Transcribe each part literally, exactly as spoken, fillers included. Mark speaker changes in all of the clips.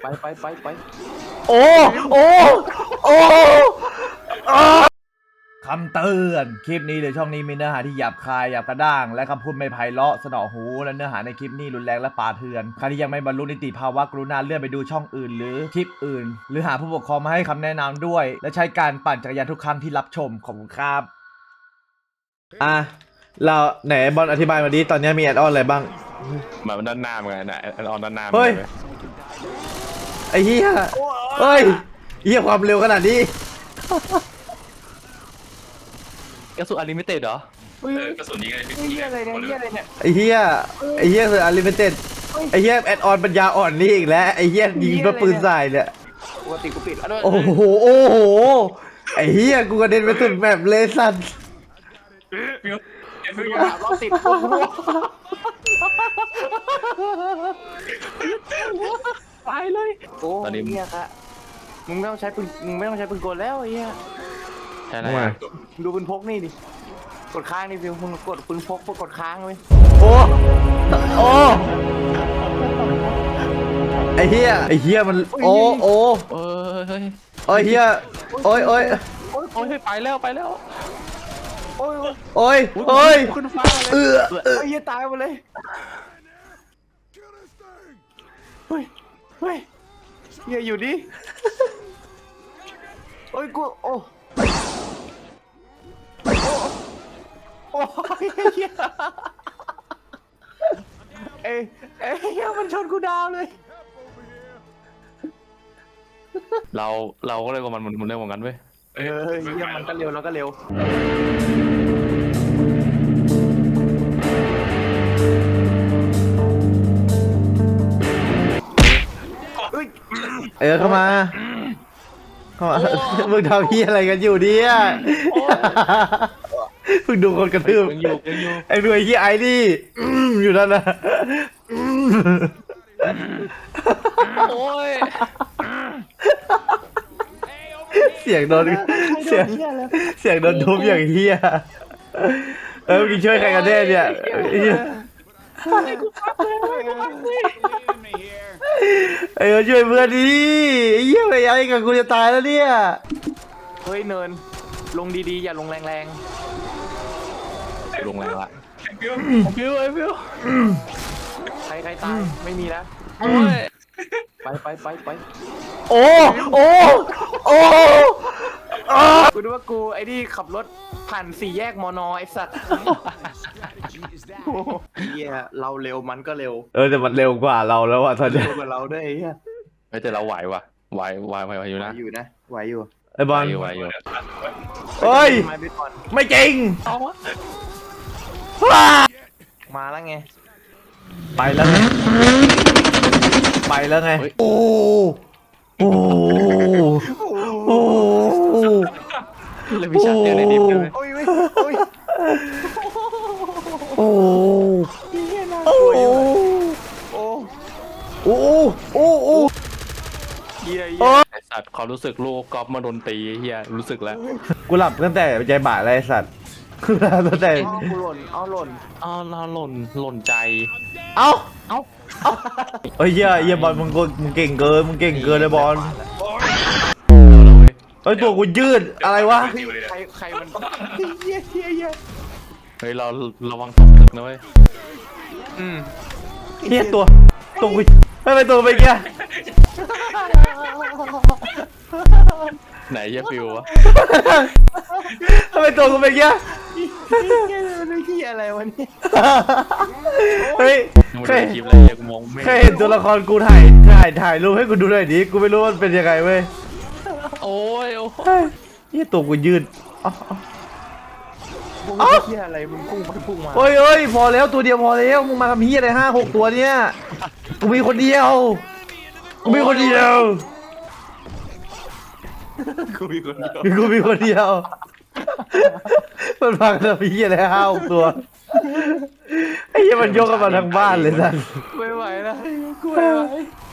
Speaker 1: ไปไปไปไป
Speaker 2: โอ้โอ้โอ้คำเตือนคลิปนี้หรือช่องนี้มีเนื้อหาที่หยาบคายหยาบกระด้างและคำพูดไม่ไพเราะสนอหูและเนื้อหาในคลิปนี้รุนแรงและป่าเถื่อนใครที่ยังไม่บรรลุนิติภาวะกรุณาเลื่อนไปดูช่องอื่นหรือคลิปอื่นหรือหาผู้ปกครองมาให้คำแนะนำด้วยและใช้การปั่นจักรยานทุกครั้งที่รับชมขอบคุณครับอ่ะเราไหนบอลอธิบายมาดิตอนนี้มีแอดออนอะไรบ้าง
Speaker 3: แบบด้านหน้าเหมือนกันนะแอดออนด้านหน้า
Speaker 2: เฮ้ยไอ้เหี้ยเฮ้ยเหี้ยความเร็วขนาดนี้
Speaker 3: กระสุนอลิมิเต็ดเหรอ
Speaker 1: เฮ้ยกระสุนนี้ไงเฮียอะไรเนี่ยเฮียอะไรเนี่ย
Speaker 2: ไอ้เหี้ยไอ้เหี้ยคืออลิมิเต็ดไอ้เหี้ยแอดออนปัญญาอ่อนนี่อีกแล้วไอ้เหี้ยยิงด้วยปืนใส่เนี่ย
Speaker 1: ปกติกูปิด
Speaker 2: โอ้โหโอ้โหไอ้เหี้ยกูกระเด็นไปสุดแบบเลสัน
Speaker 1: รอบติดตายเลยโอ้ตอนนี้เฮียครับมึงไม่ต้องใช้ปืนมึงไม่ต้องใช้ปืนกลแล้วไอ้เหี้ย
Speaker 3: ใช่ไหม
Speaker 1: ดูปืนพกนี่ดิกดค้างนี่ฟิวมึงกดปืนพกกดค้างเลย
Speaker 2: โอ้โอ้ไอ้เหี้ยไอ้เหี้ยมันโอ้โอ้
Speaker 3: เอ้ย
Speaker 2: โอ้ยเหี้ยโอ้ยโอ้ย
Speaker 3: โอ้ยไปแล้วไปแล้ว
Speaker 1: โอ้ย
Speaker 2: โอ้ยโอ้ย
Speaker 1: ขึ้นฟ้าเลยเออเฮ้ยตายหมดเลยเฮ้ยเฮ้ยเฮียอยู่ดิโอ้ยกูโอ้โอ้ยเฮียเอ้ยเอ้ยเฮียมันชนกูดาวเลย
Speaker 3: เราเราก็เลยว่ามันมันเร็วเหมือนกันเว้ย
Speaker 1: เออเฮียมันก็เร็วแล้วก็เร็ว
Speaker 2: เออเข้ามาเข้ามามึงทำเหี้ยอะไรกันอยู่เนี่ยมึงดูคนกระทืบไอ้ด้วยเหี้ยไอ้นี่อยู่นั่นนะ
Speaker 3: โอ้ย
Speaker 2: เสียงโดนเสียงเสียงโดนทุบอย่างเหี้ยเออมึงช่วยใครกันแน่เนี่ยไอ้ช่วยเพื่อนดิไอ้เหี้ยไปยังไงกับกูจะตายแล้วเนี่ย
Speaker 1: เฮ้ยเนินลงดีๆอย่าลงแรง
Speaker 3: ๆลงแรงละ
Speaker 1: ฟิวฟิวไอ้ฟิวใครใครตายไม่มีแล้วไปไปไปไป
Speaker 2: โอ้โอ้โอ้
Speaker 1: กูดูว่ากูไอ้นี่ขับรถผ่านสี่แยกมอนอไอ้สัตว์เฮียเราเร็วมันก็เร็ว
Speaker 2: เออแต่มันเร็วกว่าเราแล้วอะตอนนี้
Speaker 1: เร็วกว่าเราด้วยไอ้เฮีย
Speaker 3: แต่เราไหวว่ะไหวไหวไหวอยู่นะ
Speaker 1: อยู่นะไหวอยู่
Speaker 2: ไอ้บอล
Speaker 3: ไหวอยู่
Speaker 2: เฮ้ยไม่จริง
Speaker 1: มาแล้วไง
Speaker 2: ไปแล้วไงไปแล้วไงโอ้โอ้โอ้
Speaker 3: เลยพิชาเดียวในดิฟเลย
Speaker 1: โอ้ยโอ้ย
Speaker 2: โอ้โอ้โอ้โอ้โอ้โอ้
Speaker 1: เฮีย
Speaker 3: ไอสัตว์เขารู้สึกลูกกอล์ฟมาโดนตีเฮียรู้สึกแล้ว
Speaker 2: กูหลับตั้งแต่ใจบ่ายเลยสัตว์กูหลับตั้งแต่
Speaker 1: กูหล่นเอาหล่น
Speaker 3: เอาเราหล่นหล่นใจ
Speaker 2: เอ้าเอ้าเฮ้ยเฮียเฮียบอลมึงมึงเก่งเกินมึงเก่งเกินเลยบอลเฮ้ยตัวกูยืดอะไรวะ
Speaker 1: ใครใครมันเฮียเฮียเฮีย
Speaker 3: เฮ้ยเราระวังตกตึกนะเว้ย
Speaker 1: อืม
Speaker 2: เฮียตัวตัวกูไม่ไปตัวไปแก
Speaker 3: ไหนเยฟิววะ
Speaker 2: ทำไมตัวกูเป็นแก
Speaker 1: มันเฮียอะไรวะเนี่ย
Speaker 2: เฮ้ย
Speaker 3: เคยคลิปอะไรยังมองไม่
Speaker 2: เคยเห็นตัวละครกูถ่ายถ่ายถ่ายรูปให้กูดูหน่อยดิกูไม่รู้มันเป็นยังไงเว้ย
Speaker 3: โอ้ยโอ้
Speaker 2: ยนี่ตัวกูยืดอ๋อ
Speaker 1: อ๋อเฮียอะไรมึงพุ่งไปพุ่งมา
Speaker 2: เฮ้ยเฮ้ยพอแล้วตัวเดียวพอแล้วมึงมาทำเฮียอะไรห้าหกตัวเนี่ยกูมีคนเดียวกูมีคนเดียว
Speaker 1: กูมีคนเดียว
Speaker 2: กูมีคนเดียวมันพังทำเฮียอะไรห้าหกตัวไอ้เฮียมันยกกันมาทั้งบ้านเลยสัน
Speaker 1: ไม่ไหวแล้วกูไม่ไหว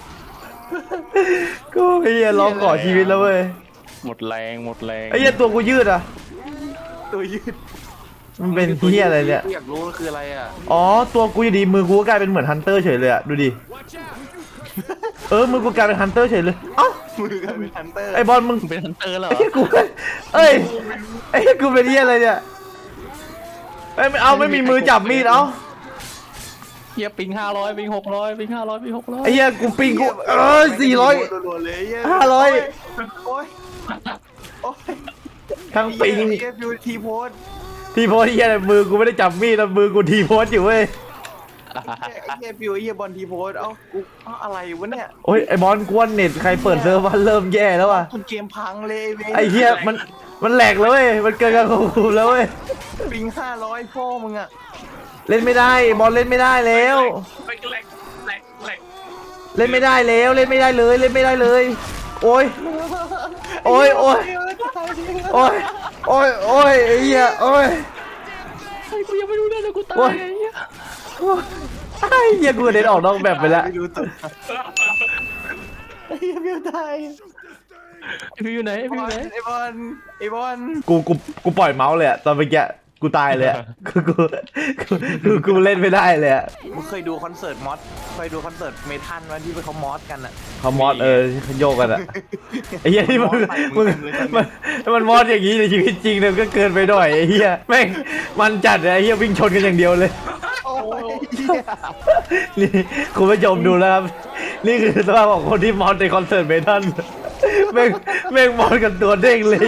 Speaker 2: กูไอ้เฮียร้องขอชีวิตแล้วเว้ย
Speaker 3: หมดแรงหมดแรง
Speaker 2: ไอ้เฮียตัวกูยืดอ่ะ
Speaker 1: ตัวยืด
Speaker 2: มันเป็นเฮียอะไรเนี่ย
Speaker 1: อยากรู้คืออะไรอ่ะ
Speaker 2: อ๋อตัวกูอยู่ดีมือกูก็กลายเป็นเหมือนฮันเตอร์เฉยเลยอ่ะดูดิเออมือกูกลายเป็นฮันเตอร์เฉยเลยเอ้า
Speaker 4: มือกันเป็นฮันเตอร์
Speaker 2: ไอบอลมึง
Speaker 3: เป็นฮันเตอร์เหรอ
Speaker 2: ไอ้เหี้ยกูเอ้ยไอ้เหี้ยกูเป็นเหี้ยอะไรเนี่ยเอ้ยไม่เอาไม่มีมือจับมีดเอ้า
Speaker 3: เฮียปิงห้าร้อยปิงหกร้อยปิงห้าร้อยปิงหกร้อย
Speaker 2: ไอ้เหี้ยกูปิงกูเออสี่ร้อย
Speaker 4: รัวๆเลยเหี้ย
Speaker 2: ห้าร้อย
Speaker 4: โอ้ยโอ้ย
Speaker 2: ทั้งปิง
Speaker 4: ไอ้เหี้ยฟิวทีโพส
Speaker 2: ทีโพสเหี้ยอะไรมือกูไม่ได้จับมีดแล้วมือกูทีโพสอยู่เว้ย
Speaker 4: ไอ้เหี้ยฟิวไอ้เหี้ยบอลทีโพสเอ้ากูเอ้าอะไรวะเนี่ย
Speaker 2: โอ้ยไอ้บอลกวนเน็ตใครเปิดเซิร์ฟวันเริ่มแย่แล้วว่ะ
Speaker 4: จนเกมพังเลยว้
Speaker 2: ไอ้เหี้ยมันมันแหลกแล้วเว้ยมันเกินการควบคุมแล้วเว้ย
Speaker 4: ปิงห้าร้อยพ่อมึงอะ
Speaker 2: เล่นไม่ได้บอลเล่นไม่ได้แล้ว
Speaker 1: แหลกแหลกแหลกแหลก
Speaker 2: เล่นไม่ได้แล้วเล่นไม่ได้เลยเล่นไม่ได้เลย โอ้ยโอ้ยโอ้ยโอ้ยโอ้ยโอ้ยไอ้เหี้ยโอ้ย
Speaker 3: ไอ้กูยังไม่รู้เลยนะกูตา
Speaker 2: โอ้
Speaker 3: ย
Speaker 2: ย
Speaker 3: ไอ้เหี้ย
Speaker 2: ไอ้เหี้ยกูเด็นออกนอกแบบไปแล้ว
Speaker 4: ไม่รู้ตัวไอ้เหี้ยฟิวตาย
Speaker 3: ไอ้พี่อยู่ไหนไอ้พี่อยู่ไหน
Speaker 4: ไอ้บอลไอ้บอล
Speaker 2: กูกูกูปล่อยเมาส์เลยอะตอนเมื่อกี้กูตายเลยอะกูกูกูกูกูเล่นไม่ได้เลยอะ
Speaker 4: มึงเคยดูคอนเสิร์ตมอสเคยดูคอนเสิร์ตเมทัลวันที่เขามอสกันอะ
Speaker 2: เขามอดเออเขาโยกกันอะไอ้เหี้ยที่มึงมึงมันมันมอดอย่างนี้ในชีวิตจริงเนี่ยมันก็เกินไปหน่อยไอ้เหี้ยแม่งมันจัดเลยไอ้เหี้ยวิ่งชนกันอย่างเดียวเลย
Speaker 4: โอ้ยเหี้ย
Speaker 2: นี่คุณผู้ชมดูแล้วครับนี่คือสภาพของคนที่มอดในคอนเสิร์ตเมทัลแม่งแม่งมอดกันตัวเด้งเลย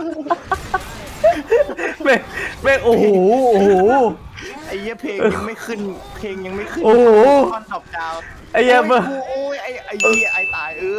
Speaker 2: แม่งแม่งโอ้โหโอ้โห
Speaker 4: ไอ้เหี้ยเพลงยังไม่ขึ้นเพลงยังไม่ขึ้น
Speaker 2: โอ้โห
Speaker 4: ตอนดอกดาว
Speaker 2: ไอ้เหี้ย
Speaker 4: โอ้
Speaker 2: มึง
Speaker 4: กูโอ้ยไอ้ไอ้เหี้ยไอ้ตายเออ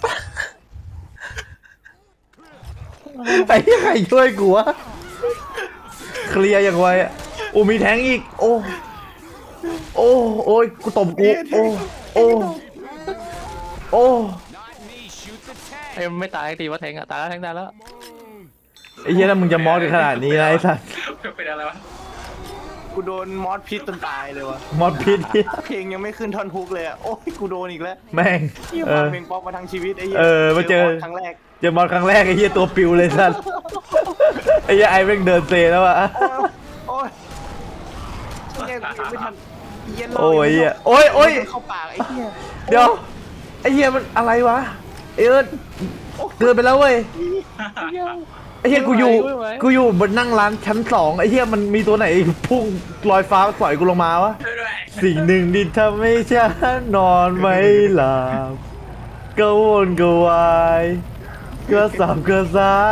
Speaker 2: ไอ้เหี้ยใครช่วยกูวะเคลียร์อย่างไวอ่ะโอ้มีแทงอีกโอ้โอ้โอ้ยกูตบกูโอ้โอ้โอ้
Speaker 3: ไอ้มันไม่ตายสักทีว่าแทงอะตายแล้วแทงได้แล้ว
Speaker 2: ไอ้เหี้ยถ้ามึงจะมอดกันขนาดนี้นะไอ้สัส
Speaker 1: เป็นอะไรวะ
Speaker 4: กูโดนมอสพิษจนตายเลยวะ
Speaker 2: มอดพิษเหี้ย
Speaker 4: เพลงยังไม่ขึ้นท่อนฮุกเลยอะโอ้ยกูโดนอีกแล้ว
Speaker 2: แม่ง
Speaker 4: เหี้ย
Speaker 2: เอ
Speaker 4: ฟัง
Speaker 2: อ
Speaker 4: เพลงป๊อปมาทั้งชีวิตไอ้เหี้ย
Speaker 2: เออมาเจอ
Speaker 4: มสครั้งแรก
Speaker 2: เจอมอดครั้งแรกไอ้เหี้ยตัวปิวเลยสัสไอ้เหี้ยไอ้แม่งเดินเซแล้วอ่ะ
Speaker 4: โอ้ยเหี้ยกูยังไม่ทันเหี้ย
Speaker 2: โอ้ยเหี้ยโอ้ยโอ้ย
Speaker 4: เข้าปากไอ้เหี้ย
Speaker 2: เดี๋ยวไอ้เหี้ยมันอะไรวะไอ้เอิร์ธเกินไปแล้วเว้ยไอ้เหี้ยกูอยู่กูอยู่บนนั่งร้านชั้นสองไอ้เหี้ยมันมีตัวไหนพุ่งลอยฟ้าปล่อยกูลงมาวะ
Speaker 1: ช่วยด้วย
Speaker 2: สิ่งหนึ่งที่ทำให้ฉันนอนไม่หลับก็วนก็วายก็สับก็ซ้าย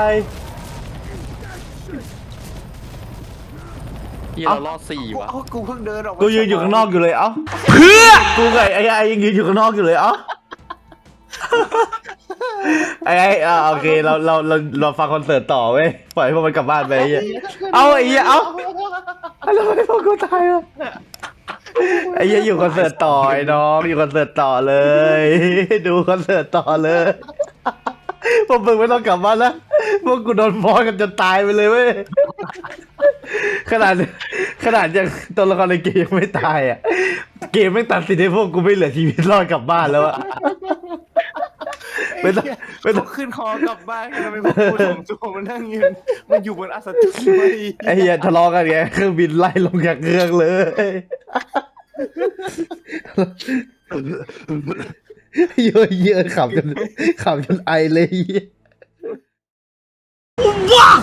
Speaker 3: เฮียเรารอดสี่ว่ะ
Speaker 4: เอ้ากูเพิ่งเดินออกมา
Speaker 2: กูยืนอยู่ข้างนอกอยู่เลยเอ้าเพื่อกูไงไอ้ไอ้ยังยืนอยู่ข้างนอกอยู่เลยเอ้าไอ้ไอ้อ่าโอเคเราเราเราเราฟังคอนเสิร์ตต่อเว้ยปล่อยให้พวกมันกลับบ้านไปไอ้เหี้ยเอาไอ้เหี้ยเอาแล้วทำไมพวกกูตายวะไอ้เหี้ยอยู่คอนเสิร์ตต่อไอ้น้องอยู่คอนเสิร์ตต่อเลย ดูคอนเสิร์ตต่อเลยพวกมึงไม่ต้องกลับบ้านแล้วพวกกูโดนมอสกันจนตายไปเลยเว้ยขนาดขนาดยังตัวละครในเกมยังไม่ตายอ่ะเกมไม่ตัดสินให้พวกกูไม่เหลือชีวิตรอดกลับบ้านแล้วอะไม่ต้องไม่ต้อง
Speaker 4: ขึ้นคอกลับบ้านกันไปพวกกูสองตัวมันนั่งยืนมันอยู่บนอัศจรรย์เว้ย
Speaker 2: ไอ้เหี้ยทะเลาะกันไงเครื่องบินไล่ลงจากเครื่องเลยเยอะเยอะขับจนขับจนไอเลย